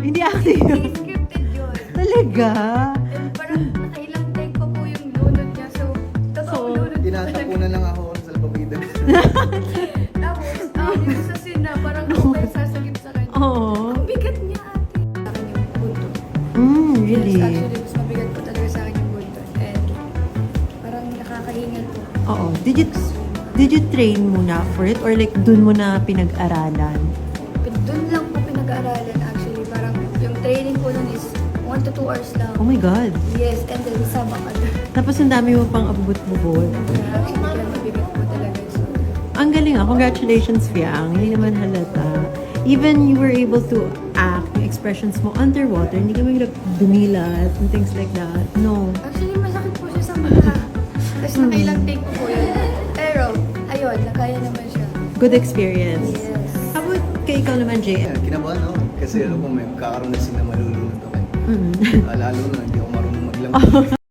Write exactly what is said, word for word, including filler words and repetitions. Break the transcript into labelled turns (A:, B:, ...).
A: Hindi acting yun.
B: Hindi scripted yun.
A: Talaga?
B: And parang nakailang take pa po yung lunod niya. So, totoo
A: So,
B: lunod po talaga.
C: Tinatapunan lang ako sa lababida.
B: Tapos, um, yung sa scene na parang ako pa yung sasagip sa kanya.
A: Oo.
B: Ang bigat niya ate. Sa akin yung buntot.
A: Mm, really?
B: Yes, actually, mas mabigat po talaga sa akin yung buntot. And parang nakakahingal po.
A: Oo. Did you, did you train muna for it? Or like, dun mo na pinag-aralan?
B: Doon lang po pinag-aaralan actually. Parang yung training po nun is one to two hours lang.
A: Oh my God.
B: Yes, and then sabak ka doon.
A: Tapos ang dami mo pang abubot-bubot.
B: Actually, kaya mabigat po talaga yung suot.
A: Ang galing ah. Congratulations, Fiang. Hindi naman halata. Even you were able to act, yung expressions mo underwater, hindi ka mahirap dumilat and things like that. No.
B: Actually, masakit po siya sa mata. Tapos nakailang take po po yun. Pero, ayun, nakaya naman siya.
A: Good experience.
B: Yes.
A: How about kay ikaw naman, J M?
C: Ayan, kinabahan ako. Kasi alam ko may kakaroon na sila malulunod ako.
A: Mm.
C: Lalo na hindi ako marunong maglamig.